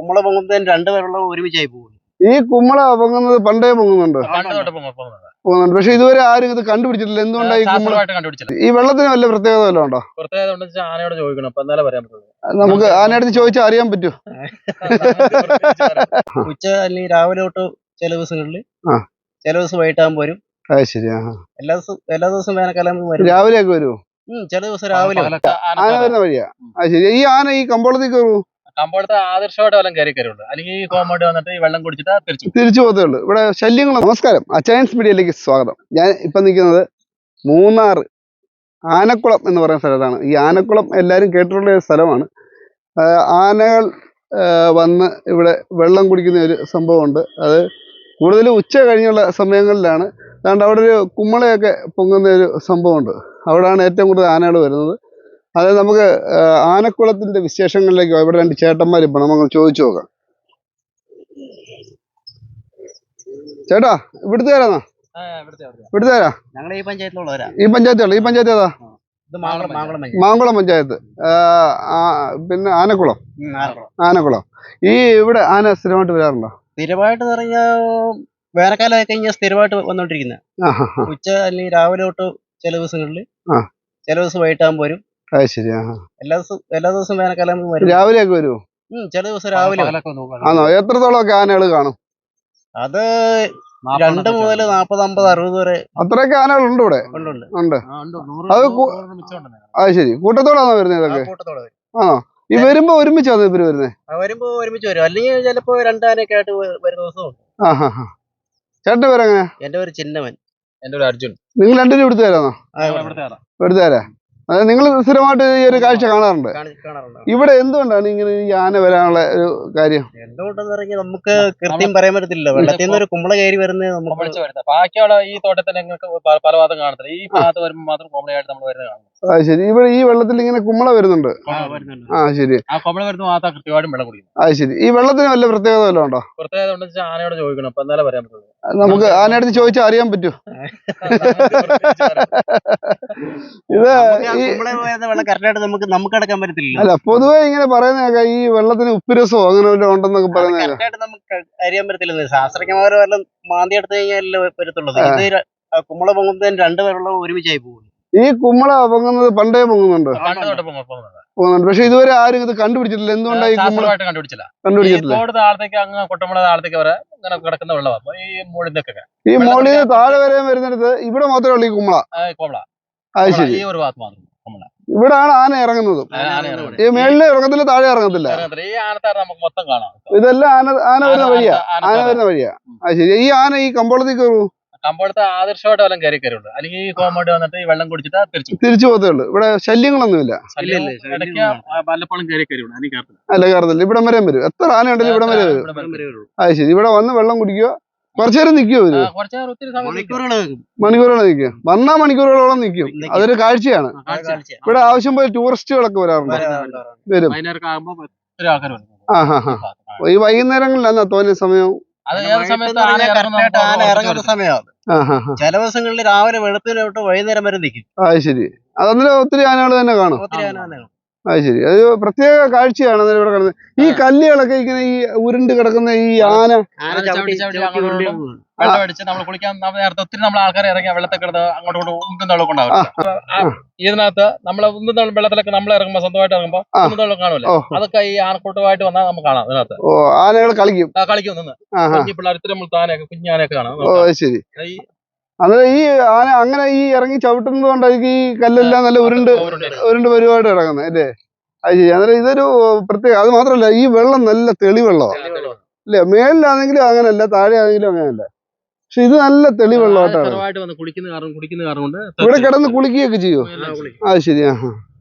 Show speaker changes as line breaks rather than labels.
കുമ്മള പൊങ്ങുന്നതിന് രണ്ടുപേരുള്ള ഒരുമിച്ചായി പോകും.
ഈ കുമ്മള പൊങ്ങുന്നത് പണ്ടേ പൊങ്ങുന്നുണ്ട്, പക്ഷെ ഇതുവരെ ആരും ഇത് കണ്ടുപിടിച്ചിട്ടില്ല. എന്തുകൊണ്ടാണ് ഈ കുമ്മള ഈ വെള്ളത്തിന് വല്ല പ്രത്യേകത വല്ലതും ഉണ്ടോ?
ആനയോട് ചോദിക്കണം, അപ്പൊ എന്നാലേ പറയാൻ പറ്റുള്ളൂ.
നമുക്ക് ആനയടുത്ത് ചോദിച്ചാൽ അറിയാൻ പറ്റുമോ?
ഉച്ച അല്ലെങ്കിൽ രാവിലെ തൊട്ട് ചില ദിവസങ്ങളിൽ, ചില ദിവസം വൈകിട്ടാകുമ്പോ വരും.
ശരി.
എല്ലാ ദിവസവും വേനൽക്കാലം വരും.
രാവിലെ ഒക്കെ വരുമോ?
ചില ദിവസം രാവിലെ
ആന വരുന്ന വഴിയാ. ശരി. ഈ ആന ഈ കമ്പോളത്തേക്ക് വരുമോ?
കമ്പോളത്തെ ആദർശമായിട്ട് വല്ലതും കയറിയുള്ളൂ, അല്ലെങ്കിൽ ഈ കോമ്പൗണ്ട് വന്നിട്ട് ഈ വെള്ളം കുടിച്ചിട്ട്
തിരിച്ചു പോകത്തേ ഉള്ളൂ. ഇവിടെ ശല്യങ്ങൾ. നമസ്കാരം, അച്ചയൻസ് മീഡിയയിലേക്ക് സ്വാഗതം. ഞാൻ ഇപ്പൊ നിൽക്കുന്നത് മൂന്നാർ ആനക്കുളം എന്ന് പറയുന്ന സ്ഥലത്താണ്. ഈ ആനക്കുളം എല്ലാവരും കേട്ടിട്ടുള്ള ഒരു സ്ഥലമാണ്. ആനകൾ വന്ന് ഇവിടെ വെള്ളം കുടിക്കുന്ന ഒരു സംഭവമുണ്ട്. അത് കൂടുതലും ഉച്ച കഴിഞ്ഞുള്ള സമയങ്ങളിലാണ്. അതുകൊണ്ട് അവിടെ ഒരു കുമ്മളയൊക്കെ പൊങ്ങുന്ന ഒരു സംഭവമുണ്ട്. അവിടെയാണ് ഏറ്റവും കൂടുതൽ ആനകൾ വരുന്നത്. അത് നമുക്ക് ആനക്കുളത്തിന്റെ വിശേഷങ്ങളിലേക്ക് ഇവിടെ രണ്ട് ചേട്ടന്മാർ ഇപ്പൊ നമുക്ക് ചോദിച്ചു നോക്കാം. ചേട്ടാ, ഇവിടുത്തെ ആരാ? ഇവിടുത്തെ ആരാ?
ഞങ്ങൾ ഈ പഞ്ചായത്തിലുള്ളവരാ.
ഈ പഞ്ചായത്തുള്ള ഈ പഞ്ചായത്ത് ഏതാ? മാങ്കുളം പഞ്ചായത്ത്. പിന്നെ ആനക്കുളം. ആനക്കുളം. ഈ ഇവിടെ ആന സ്ഥിരമായിട്ട് വരാറുണ്ടോ?
സ്ഥിരമായിട്ട് പറഞ്ഞാൽ വേനൽക്കാലമായി കഴിഞ്ഞാൽ സ്ഥിരമായിട്ട് വന്നോണ്ടിരിക്കുന്നത്. ഉച്ച അല്ലെങ്കിൽ രാവിലെ തൊട്ട് ചില ദിവസങ്ങളിൽ, ചില ദിവസം വൈകിട്ടാകുമ്പോ വരും.
ശരി.
എല്ലാ ദിവസവും വേനൽക്കാലം വരും.
രാവിലെ ഒക്കെ വരുമോ?
ചില ദിവസം രാവിലെ.
ആണോ? എത്രത്തോളമൊക്കെ ആനകൾ കാണും?
അത് 2 മുതൽ 40, 50, 60 വരെ.
അത്രയൊക്കെ ആനകളുണ്ട് ഇവിടെ? ഉണ്ട്. അത് ശരി. കൂട്ടത്തോടാണോ വരുന്നത് ഇതൊക്കെ? ആണോ? ഈ വരുമ്പോ ഒരുമിച്ചാണോ ഇവര് വരുന്നത്?
വരുമ്പോ ഒരുമിച്ച് വരും, അല്ലെങ്കിൽ ചിലപ്പോ രണ്ടാനൊക്കെ ആയിട്ട് വരുന്ന ദിവസവും.
ചേട്ടന്റെ പേരെങ്ങനെയാ?
എന്റെ പേര് ചിന്നവൻ.
എന്റെ പേര് അർജുൻ.
നിങ്ങൾ രണ്ടുപേരും ഇവിടുത്തുകാരാണോ? ഇവിടുത്തുകാരാ. അതായത് നിങ്ങൾ സ്ഥിരമായിട്ട് ഈ ഒരു കാഴ്ച കാണാറുണ്ട്. ഇവിടെ എന്തുകൊണ്ടാണ് ഇങ്ങനെ ഈ ആന വരാനുള്ള ഒരു കാര്യം?
എന്തുകൊണ്ടെന്ന് പറഞ്ഞാൽ നമുക്ക് കൃത്യം പറയാൻ പറ്റത്തില്ല. വെള്ളത്തിൽ നിന്ന് ഒരു കുമ്പള കയറി വരുന്നത് നമുക്ക്
ബാക്കിയുള്ള ഈ തോട്ടത്തിൽ പല ഭാഗത്തും കാണത്തില്ല. ഈ ഭാഗത്ത് വരുമ്പോൾ മാത്രം കോമഡി ആയിട്ട് നമ്മൾ വരുന്നത് കാണും.
ശരി. ഇവിടെ ഈ വെള്ളത്തിൽ ഇങ്ങനെ കുമ്മള വരുന്നുണ്ട്. ശരി.
ആ കുമ്പള വരുന്ന മാത്രം കൃത്യമായിട്ടും വെള്ളം കുടിക്കും.
ശരി. ഈ വെള്ളത്തിന് വല്ല പ്രത്യേകത വല്ലതും ഉണ്ടോ?
പ്രത്യേകത ഉണ്ടെന്ന് വെച്ചാൽ ആനയോട് ചോദിക്കണം, അപ്പൊ എന്നാലേ പറയാൻ പറ്റുള്ളൂ.
നമുക്ക് ആനയടുത്ത് ചോദിച്ചാൽ അറിയാൻ പറ്റുമോ? ഇത്
വെള്ളം കറക്റ്റായിട്ട് നമുക്ക് അടക്കാൻ പറ്റത്തില്ല.
അല്ല, പൊതുവെ ഇങ്ങനെ പറയുന്നതൊക്കെ ഈ വെള്ളത്തിന് ഉപ്പുരസോ അങ്ങനെ വല്ലതും ഉണ്ടെന്നൊക്കെ പറയുന്നത്
കറക്റ്റായിട്ട് നമുക്ക് അറിയാൻ പറ്റത്തില്ല. ശാസ്ത്രജ്ഞന്മാർ വല്ലതും മാന്തി എടുത്തു കഴിഞ്ഞാൽ വരത്തുള്ളത്. ഇത് കുമ്മള പൊങ്ങുന്നതിന് രണ്ടുപേരുള്ള ഒരുമിച്ചായി പോകും.
ഈ കുമ്മള പൊങ്ങുന്നത് പണ്ടേ പൊങ്ങുന്നുണ്ട്, പക്ഷെ ഇതുവരെ ആരും ഇത് കണ്ടുപിടിച്ചിട്ടില്ല. എന്തുകൊണ്ടാണ് ഈ കുമ്മള കണ്ടുപിടിച്ചില്ല?
അങ്ങ് കൊട്ടമ്പള താഴത്തേക്ക് വരെ ഇങ്ങനെ കിടക്കുന്ന വെള്ളമാണ് ഈ മോളിന്റെയൊക്കെ.
ഈ മോളിൽ താഴെ വരെ വരുന്നിടത്ത് ഇവിടെ മാത്രമേ ഉള്ളൂ ഈ കുമ്മള. അത് ശരി.
ഈ ഒരു ഭാഗത്ത് മാത്രം കുമ്മള.
ഇവിടാണ് ആന ഇറങ്ങുന്നത്. ഈ മേളിൽ ഇറങ്ങത്തില്ല, താഴെ ഇറങ്ങത്തില്ല.
ഈ ആനത്താറ് നമുക്ക് മൊത്തം കാണാം.
ഇതെല്ലാം ആന വരുന്ന വഴിയാ. ആന വരുന്ന വഴിയാ. അത് ശരി. ഈ ആന ഈ കമ്പോളത്തേക്ക് വരുമോ?
കമ്പോളത്തെ ആദർശമായിട്ട് വല്ലതും കയറിയുള്ളൂ, അല്ലെങ്കിൽ ഈ കോമ്പൗണ്ട് വന്നിട്ട് ഈ വെള്ളം കുടിച്ചിട്ട്
തിരിച്ചു പോകത്തേ ഉള്ളൂ. ഇവിടെ ശല്യങ്ങളൊന്നുമില്ല.
ഇടയ്ക്ക് പലപ്പോഴും കയറിയുള്ളൂ.
അല്ല, കയറത്തില്ല. ഇവിടം വരെ വരും. എത്ര ആന ഉണ്ടെങ്കിലും ഇവിടം വരെ വരും. അത് ശരി. ഇവിടെ വന്ന് വെള്ളം കുടിക്കുക. കുറച്ചു നേരം നിൽക്കുമോ ഇവര്? മണിക്കൂറുകൾ നിൽക്കും. വന്നാ മണിക്കൂറുകളോളം നിൽക്കും. അതൊരു കാഴ്ചയാണ്. ഇവിടെ ആവശ്യം പോലെ ടൂറിസ്റ്റുകളൊക്കെ വരാറുണ്ട്. വരും. ഈ വൈകുന്നേരങ്ങളിലാണ് തോന്നിയ സമയം.
ഇറങ്ങുന്ന സമയമാണ്. ചില ദിവസങ്ങളിൽ രാവിലെ വെളുപ്പിന് തൊട്ട് വൈകുന്നേരം വരെ നിൽക്കും.
അത് ശരി. അതന്നേരം ഒത്തിരി ആനകൾ തന്നെ കാണും. അത് ശരി. അത് പ്രത്യേക കാഴ്ചയാണ് ഇവിടെ കിടന്നത്. ഈ കല്ലുകളൊക്കെ ഇങ്ങനെ ഈ ഉരുണ്ട് കിടക്കുന്ന ഈ ആന
വെള്ളമടിച്ച് നമ്മൾ കുളിക്കാൻ നേരത്തെ ഒത്തിരി നമ്മൾ ആൾക്കാരെ ഇറങ്ങിയ വെള്ളത്തിൽ കിടന്ന് അങ്ങോട്ടും ഉന്തുന്ന വെള്ളം ഉണ്ടാവും. ഇതിനകത്ത് നമ്മൾ ഉന്തുന്ന വെള്ളത്തിലൊക്കെ നമ്മൾ ഇറങ്ങുമ്പോൾ സ്വന്തമായിട്ട് ഇറങ്ങുമ്പോൾ ഉന്തുന്ന വെള്ളം കാണുമല്ലോ, അതൊക്കെ ഈ ആനക്കൂട്ടമായിട്ട് വന്നാൽ നമുക്ക് കാണാം. ഇതിനകത്ത്
ആനകൾ കളിക്കും
നിന്ന് കുഞ്ഞു പിള്ളേർ ഇത്തിരി നമ്മൾ താനൊക്കെ കുഞ്ഞാനൊക്കെ കാണാം.
ശരി. അന്നേരം ഈ ആന അങ്ങനെ ഈ ഇറങ്ങി ചവിട്ടുന്നത് കൊണ്ടായിരിക്കും ഈ കല്ലെല്ലാം നല്ല ഉരുണ്ട് പരിപാടി ഇറങ്ങുന്നത് അല്ലേ? അത് ശരി. അന്നേരം ഇതൊരു പ്രത്യേക. അത് മാത്രമല്ല, ഈ വെള്ളം നല്ല തെളിവെള്ളമാണ് അല്ലേ? മേളിലാണെങ്കിലും അങ്ങനല്ല, താഴെ ആണെങ്കിലും അങ്ങനല്ല. പക്ഷെ ഇത് നല്ല തെളിവെള്ളമായിട്ടാണ്.
കുടിക്കുന്ന കാരണം
ഇവിടെ കിടന്ന് കുളിക്കുകയൊക്കെ ചെയ്യോ? അത് ശരി.